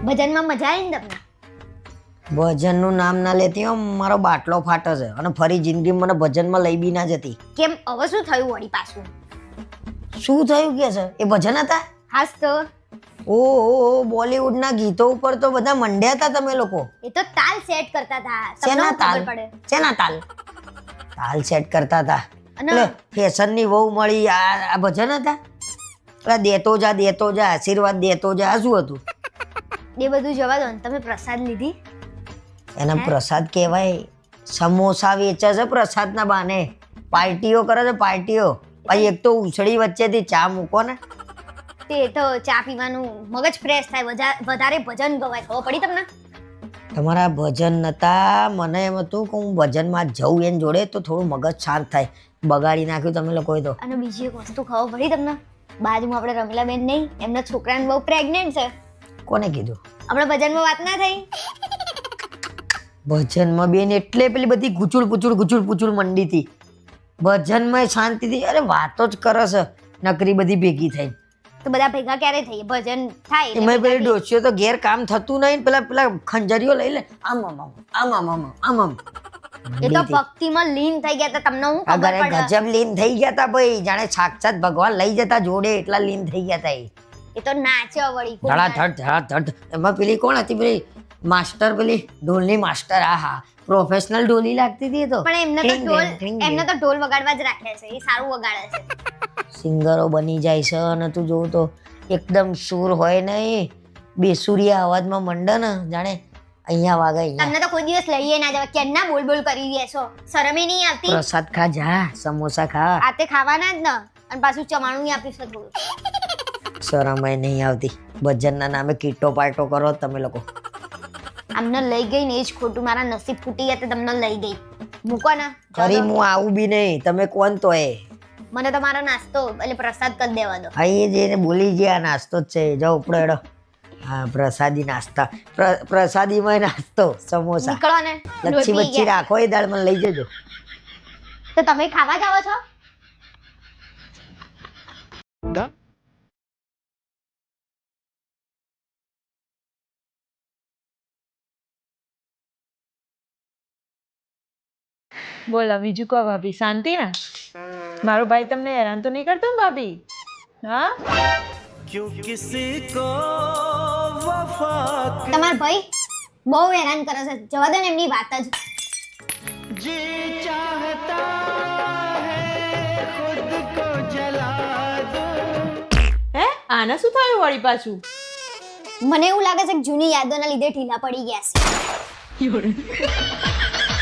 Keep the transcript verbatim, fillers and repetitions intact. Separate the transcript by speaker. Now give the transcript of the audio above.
Speaker 1: ભજનમાં મજા આવી ને તમને?
Speaker 2: ભજનનું નામ ના લેતી હો, મારો બાટલો ફાટે છે અને ફરી જિંદગી મને ભજનમાં લઈ બી ના જતી.
Speaker 1: કેમ હવે શું થયું વળી પાછું?
Speaker 2: શું થયું કે છે? એ ભજન હતા?
Speaker 1: હાસ તો.
Speaker 2: ઓહો, બોલિવૂડના ગીતો ઉપર તો બધા મંડ્યા હતા તમે લોકો.
Speaker 1: એ તો તાલ સેટ કરતા હતા.
Speaker 2: શેના તાલ?
Speaker 1: ખબર પડે?
Speaker 2: શેના તાલ? તાલ સેટ કરતા હતા.
Speaker 1: અને
Speaker 2: એટલે ફેશનની વહુ મળી આ આ ભજન હતા? એટલે દેતો જા દેતો જા આશીર્વાદ દેતો જા આ શું હતું?
Speaker 1: એ બધું જવા દો ને, તમે પ્રસાદ લીધી?
Speaker 2: એને પ્રસાદ કહેવાય. સમોસા વેચે છે પ્રસાદના બાને, પાર્ટીઓ કરે છે પાર્ટીઓ. પછી એક તો ઉછળી વચ્ચેથી ચા મૂકો ને.
Speaker 1: તે તો ચા પીવાનું મગજ ફ્રેશ થાય, વજા- વધારે ભજન ગવાય. ખબર પડી તમને?
Speaker 2: તમારા ભજન નતા, મને એમ હતું કે હું ભજનમાં જઉં એને જોડે તો થોડું મગજ શાંત થાય. બગાડી નાખ્યું તમે લોકોએ તો.
Speaker 1: અને બીજી એક વસ્તુ ખબર પડી તમને? બાજુમાં આપણે રમીલા બેન નહીં, એમના છોકરાને બહુ પ્રેગ્નેન્ટ છે.
Speaker 2: કોને કીધું?
Speaker 1: આપણે ભજનમાં વાત ના થઈ?
Speaker 2: ભજનમાં બેન એટલે પેલી બધી ગુચુડ પુચુડ ગુચુડ પુચુડ મંડી હતી. ભજનમાં શાંતિથી અરે વાતો જ કરે છે નકરી બધી ભેગી થઈ.
Speaker 1: તો બધા ભેગા ક્યારે થઈએ? ભજન થાય એટલે
Speaker 2: એમાં
Speaker 1: ભેગા
Speaker 2: પેલી
Speaker 1: થઈએ.
Speaker 2: ડોસીઓ તો ઘેર કામ થતું નહીં ને પેલા પેલા ખંજરીઓ લઈ લે આમ આમ આમ આમ આમ આમ આમ આમ
Speaker 1: એ તો ભક્તિમાં લીન થઈ ગયા હતા. તમને હું ખબર
Speaker 2: અગર
Speaker 1: પડે?
Speaker 2: ગજબ લીન થઈ ગયા તા ભાઈ, જાણે સાક્ષાત ભગવાન લઈ જતા જોડે એટલા લીન થઈ ગયા તા એ.
Speaker 1: એ તો નાચ્યો વળી.
Speaker 2: ધડાધડ ધડાધડ. એમાં પેલી કોણ હતી પેલી માસ્ટર, પેલી ઢોલની માસ્ટર? આ હા, પ્રોફેશનલ ઢોલી લાગતી હતી એ તો.
Speaker 1: પણ એમને તો
Speaker 2: ટીંગ
Speaker 1: ઢોલ
Speaker 2: ટીંગ ટીંગ
Speaker 1: એમને તો ઢોલ વગાડવા જ રાખ્યા છે. એ સારું વગાડે છે.
Speaker 2: સિંગરો બની જાય છે અને તું જોવું તો એકદમ સુર હોય ને એ બેસુરિયા અવાજમાં મંડે ને જાણે અહીંયા વાગે અહીંયા.
Speaker 1: તમને તો કોઈ દિવસ લઈએ ના જવા, કેમના બોલ બોલ કરી રહ્યા છો? શરમે નહીં આવતી?
Speaker 2: પ્રસાદ ખા જા, સમોસા ખા.
Speaker 1: આતે ખાવાના જ ને, અને પાછું ચવાણું આપ્યું છે થોડું.
Speaker 2: શરમાય નહીં આવતી. ભજનના નામે કીટો પાર્ટો કરો તમે લોકો.
Speaker 1: આમને લઈ ગઈ ને એ જ ખોટું. મારા નસીબ ફૂટી ગયા તે તમને લઈ ગઈ. મૂકો ને.
Speaker 2: ફરી હું આવું બી નહીં. તમે કોણ તો એ?
Speaker 1: મને તો મારો નાસ્તો એટલે પ્રસાદ કરી દેવા દો.
Speaker 2: હા એ જઈને બોલી ગયા નાસ્તો જ છે. જાઓ ઉપડો એડો. હા પ્રસાદી નાસ્તા. પ્ર- પ્રસાદીમાં નાસ્તો સમોસા.
Speaker 1: નીકળો ને.
Speaker 2: લચ્છી
Speaker 1: લોટ પી
Speaker 2: બચ્છી
Speaker 1: ગયા.
Speaker 2: રાખો એ દાળ મને લઈ જજો.
Speaker 1: તો તમે ખાવા જાઓ છો?
Speaker 3: બોલો બીજું કહો ભાભી, શાંતિ ને? મારો ભાઈ તમને હેરાન તો નહીં કરતો ને ભાભી? હા,
Speaker 1: તમારો ભાઈ બહુ હેરાન કરે છે. જવા દો ને એમની વાત જ.
Speaker 3: હે આને શું થયું વળી પાછું?
Speaker 1: મને એવું લાગે છે કે જૂની યાદોના લીધે ઢીલા પડી ગયા છે.